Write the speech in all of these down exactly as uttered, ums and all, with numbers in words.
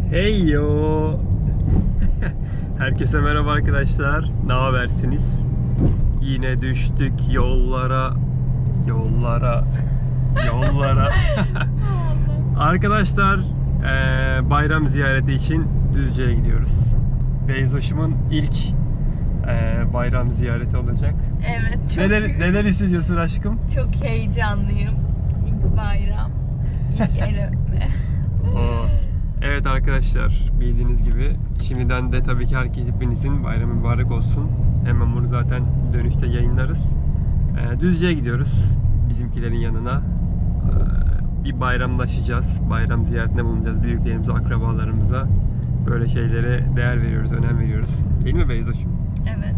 Hey yo. Herkese merhaba arkadaşlar. Ne habersiniz? Yine düştük yollara. Yollara. Yollara. Arkadaşlar eee, bayram ziyareti için Düzce'ye gidiyoruz. Beyzoş'umun ilk eee, bayram ziyareti olacak. Evet, çok Neler, neler hissediyorsun aşkım? çok heyecanlıyım. İlk bayram, ilk el öpme. Oo. Evet arkadaşlar, bildiğiniz gibi şimdiden de tabii ki herkes hepinizin bayramı mübarek olsun. Hemen bunu zaten dönüşte yayınlarız. Ee, Düzce'ye gidiyoruz bizimkilerin yanına. Ee, bir bayramlaşacağız. Bayram ziyaretine bulunacağız büyüklerimize, akrabalarımıza. Böyle şeylere değer veriyoruz, önem veriyoruz. Değil mi Beyzoş'um? Evet.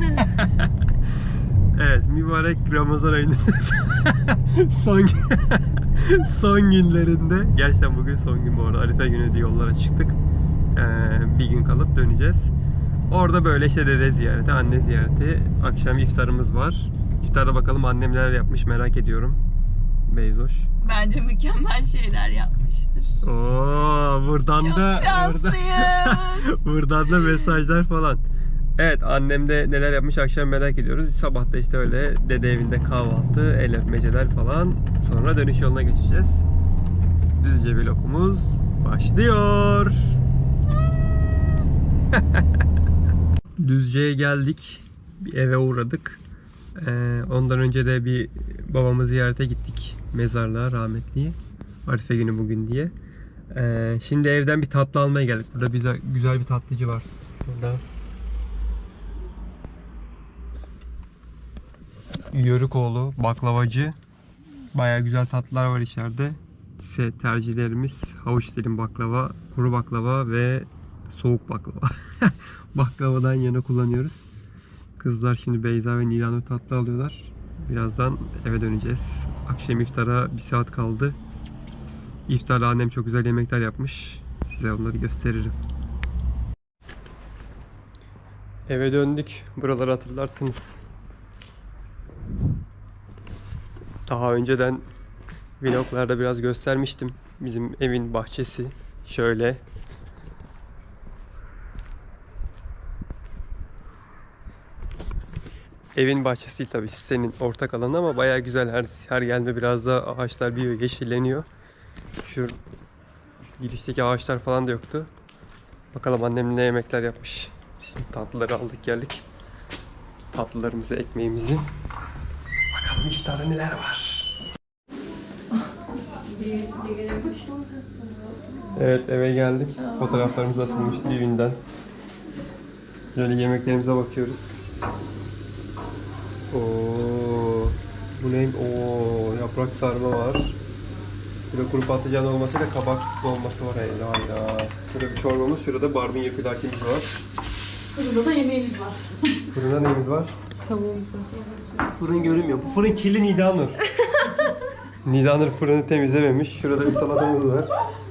Evet, mübarek Ramazan ayının son son günlerinde, gerçekten bugün son gün bu arada, Arife günü diye yollara çıktık. Ee, bir gün kalıp döneceğiz. Orada böyle işte dede ziyareti, anne ziyareti, akşam iftarımız var. İftarda bakalım annem neler yapmış, merak ediyorum. Beyzoş. Bence mükemmel şeyler yapmıştır. Oo, buradan Çok da şanslıyız. buradan da mesajlar falan. Evet, annem de neler yapmış akşam merak ediyoruz. Sabah da işte öyle dede evinde kahvaltı, el öpmeceler falan. Sonra dönüş yoluna geçeceğiz. Düzce vlogumuz başlıyor. Düzce'ye geldik. Bir eve uğradık. Ee, ondan önce de bir babamı ziyarete gittik. Mezarlığa, rahmetliye. Arife günü bugün diye. Ee, şimdi evden bir tatlı almaya geldik. Burada güzel, güzel bir tatlıcı var. Şurada. Yörükoğlu baklavacı. Baya güzel tatlılar var içeride. Size tercihlerimiz havuç dilim baklava, kuru baklava ve soğuk baklava. Baklavadan yana kullanıyoruz. Kızlar şimdi Beyza ve Nilanur tatlı alıyorlar. Birazdan eve döneceğiz. Akşam iftara bir saat kaldı. İftarda annem çok güzel yemekler yapmış. Size onları gösteririm. Eve döndük. Buraları hatırlarsınız. Daha önceden vloglarda biraz göstermiştim. Bizim evin bahçesi şöyle. Evin bahçesi değil tabii, senin ortak alanı ama bayağı güzel, her her gelme biraz da ağaçlar büyüyor, yeşilleniyor. Şu, şu girişteki ağaçlar falan da yoktu. Bakalım annem ne yemekler yapmış. Şimdi tatlıları aldık geldik. Tatlılarımızı, ekmeğimizi. Bakalım iftarda neler var. Evet, eve geldik. Fotoğraflarımız asılmış düğünden. Böyle yemeklerimize bakıyoruz. Oo, bu ne? Oo, yaprak sarma var. Burada kuru patlıcan olması ve kabak dolması var. Hayda hayda. Şurada bir çorbamız, şurada barbunya filakimiz var. Fırında da yemeğimiz var. Fırında neyimiz var? Tavuğumuz var. Fırın görünmüyor. Bu fırın kirli Nidanur. Nidanur fırını temizlememiş. Şurada bir salatamız var.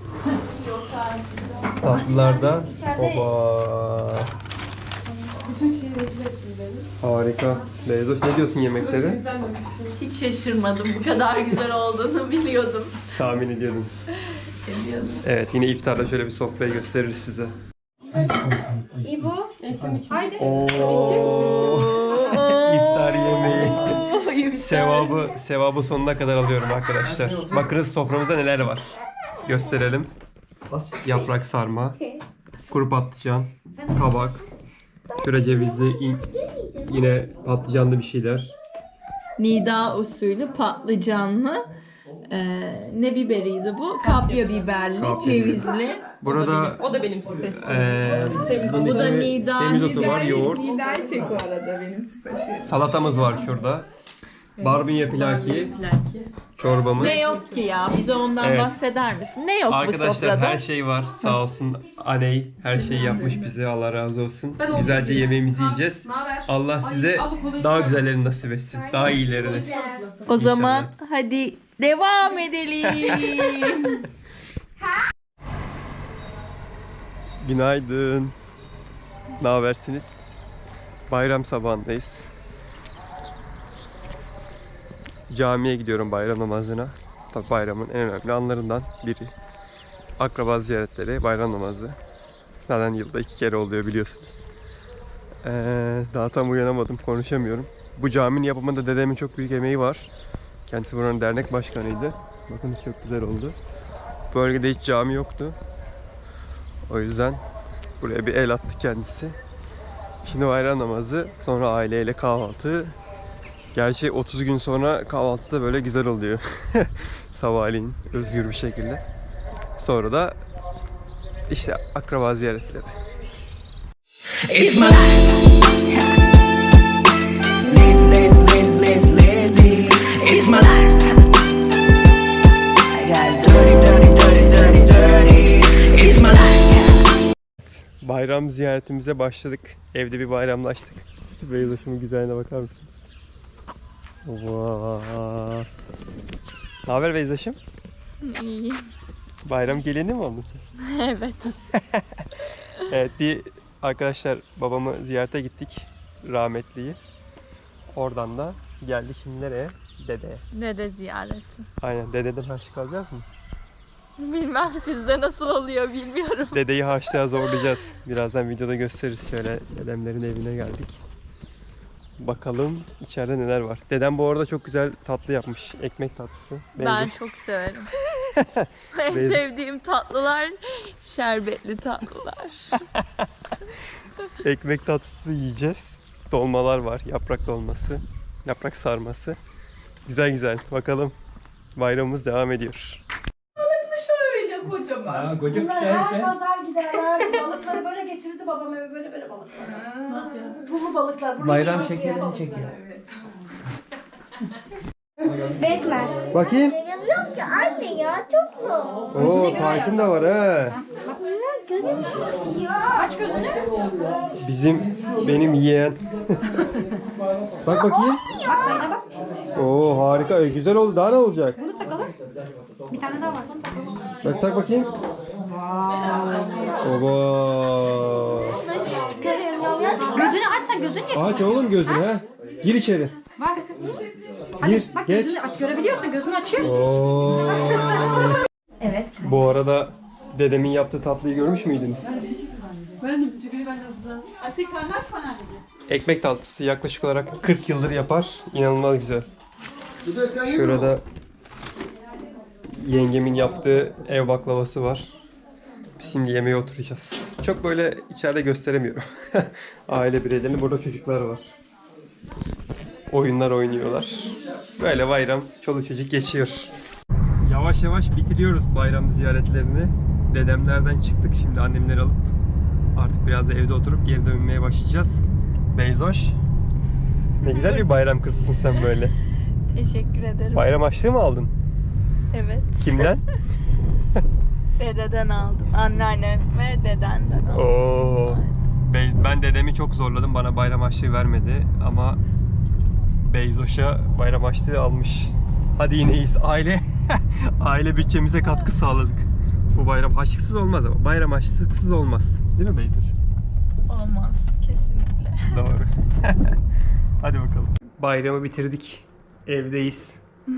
Tatlılarda. Oba. Bütün şeyi rezil ettim beni. Harika. Beyzoş, ne diyorsun yemeklere? Hiç şaşırmadım. Bu kadar güzel olduğunu biliyordum. Tahmin ediyordum. Biliyordum. Evet, yine iftarda şöyle bir sofrayı gösteririz size. İbo, haydi. Oo. İftar yemeği. Sevabı, sevabı sonuna kadar alıyorum arkadaşlar. Bakınız soframızda neler var. Gösterelim. Yaprak sarma, kuru patlıcan, kabak, şöyle cevizli, yine patlıcanlı bir şeyler. Nida usulü patlıcanlı. Ee, ne biberiydi bu? Kapya biberli, Kapya cevizli. Burada O da benim spesiyelim. eee Bu da Nida. semizotu var, yoğurt. Biber çek o arada benim spesiyelim. Salatamız var şurada. Barbunya pilaki, çorbamız. Ne yok ki ya? Bize ondan Evet. bahseder misin? Ne yok bu Arkadaşlar sofrada? her şey var. Sağ olsun Aney her şeyi yapmış bize. Allah razı olsun. Güzelce yemeğimizi yiyeceğiz. Allah size daha güzellerini nasip etsin. Daha iyilerini. O zaman hadi devam edelim. Günaydın. Ne habersiniz? Bayram sabahındayız. Camiye gidiyorum bayram namazına. Tabii bayramın en önemli anlarından biri. akraba ziyaretleri, bayram namazı. Zaten yılda iki kere oluyor biliyorsunuz. Ee, daha tam uyanamadım, konuşamıyorum. Bu caminin yapımında dedemin çok büyük emeği var. Kendisi buranın dernek başkanıydı. Bakın çok güzel oldu. Bölgede hiç cami yoktu. O yüzden buraya bir el attı kendisi. Şimdi bayram namazı, sonra aileyle kahvaltı. Gerçi otuz gün sonra kahvaltı da böyle güzel oluyor. Sabahleyin özgür bir şekilde. Sonra da işte akraba ziyaretleri. It's my life. Lazy, lazy, lazy, lazy, lazy. It's my life. I got dirty, dirty, dirty, dirty, dirty. It's my life. Bayram ziyaretimize başladık. Evde bir bayramlaştık. Şu Beyzoş'umun güzelliğine bakar mısınız? Vaa. Ne haber Beyzoş'um? İyi. Bayram geleni mi oldun sen? Evet. Evet, bir arkadaşlar babamı ziyarete gittik, rahmetliyi. Oradan da geldik şimdi nereye? Dedeye. Ne de ziyareti. Aynen, dededen harçlık alacağız mı? Bilmem sizde nasıl oluyor bilmiyorum. Dedeyi harçlığa zorlayacağız. Birazdan videoda gösteririz. Şöyle dedemlerin evine geldik. Bakalım içeride neler var. Dedem bu arada çok güzel tatlı yapmış. Ekmek tatlısı. Ben Beğendim. çok severim. En Benim- sevdiğim tatlılar şerbetli tatlılar. Ekmek tatlısı yiyeceğiz. Dolmalar var. Yaprak dolması. Yaprak sarması. Güzel güzel. Bakalım. Bayramımız devam ediyor. Öyle kocaman. Ha, koca Bunlar kuşlar her işte. pazar giderler. Balıkları böyle getirirdi babam eve böyle böyle balıklar. Pullu balıklar. Buraya Bayram geliyor, şekerini balıklar. çekiyor. Bekler. Bakayım. Yok ki anne ya çok zor. Oo, parkın da var ha. Aç gözünü. Bizim, benim yeğen. Bak bakayım. Bak dayına bak. Oo, harika. Ee, güzel oldu. Daha ne olacak? Bunu takalım. Bir tane daha var. Bunu takalım. Bak tak bakayım. Oba. Gözünü aç sen gözünü ye. Aç oğlum gözünü ha. Gir içeri. Bak. Hadi Gir, bak geç. gözünü aç görebiliyorsun. Gözünü açıyor. Oo. Evet. Bu arada dedemin yaptığı tatlıyı görmüş müydünüz? Ekmek tatlısı yaklaşık olarak kırk yıldır yapar. İnanılmaz güzel. Şurada yengemin yaptığı ev baklavası var. Biz şimdi yemeğe oturacağız. Çok böyle içeride gösteremiyorum. Aile bireylerini. Burada çocuklar var. Oyunlar oynuyorlar. Böyle bayram çoluk çocuk geçiyor. Yavaş yavaş bitiriyoruz bayram ziyaretlerini. Dedemlerden çıktık, şimdi annemleri alıp artık biraz da evde oturup geri dönmeye başlayacağız. Beyzoş, ne güzel bir bayram kızısın sen böyle. Teşekkür ederim. Bayram harçlığı mı aldın? Evet. Kimden? Dededen aldım. Anneannem ve dedenden aldım. Oo. Ben, ben dedemi çok zorladım, bana bayram harçlığı vermedi ama Beyzoş'a bayram harçlığı almış. Hadi yine iyiyiz. Aile aile bütçemize katkı sağladık. Bu bayram harçlıksız olmaz ama bayram harçlıksız olmaz. Değil mi Beyzoş? Olmaz. Kesinlikle. Doğru. Hadi bakalım. Bayramı bitirdik. Evdeyiz.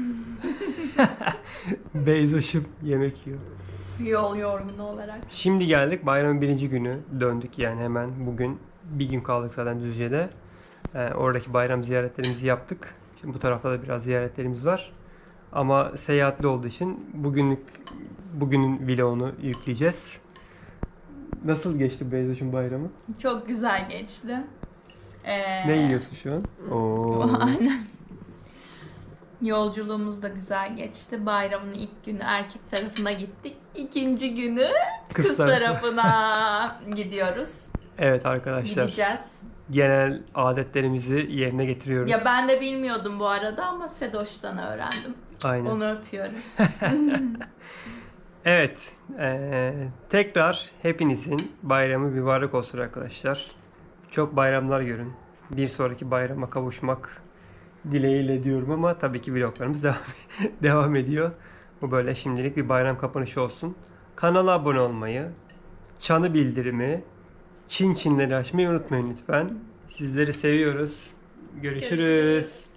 Beyzoş'um yemek yiyor. Yol yorgunu olarak. Şimdi geldik bayramın birinci günü. Döndük yani hemen bugün. Bir gün kaldık zaten Düzce'de. Ee, oradaki bayram ziyaretlerimizi yaptık. Şimdi bu tarafta da biraz ziyaretlerimiz var. Ama seyahatli olduğu için bugünlük bugünün vlogunu yükleyeceğiz. Nasıl geçti Beyzoş'un bayramı? Çok güzel geçti. Ee, Ne yiyorsun şu an? Oo. Aynen. Yolculuğumuz da güzel geçti. Bayramın ilk günü erkek tarafına gittik. İkinci günü Kız kız, tarafı. tarafına gidiyoruz. Evet arkadaşlar. Gideceğiz. Genel adetlerimizi yerine getiriyoruz. Ya ben de bilmiyordum bu arada ama Sedoş'tan öğrendim. Aynen. Onu öpüyorum. Evet. eee, tekrar hepinizin bayramı mübarek olsun arkadaşlar. Çok bayramlar görün. Bir sonraki bayrama kavuşmak dileğiyle diyorum ama tabii ki vloglarımız devam, devam ediyor. Bu böyle şimdilik bir bayram kapanışı olsun. Kanala abone olmayı, çanı bildirimi, çin çinleri açmayı unutmayın lütfen. Sizleri seviyoruz. Görüşürüz. Görüşürüz.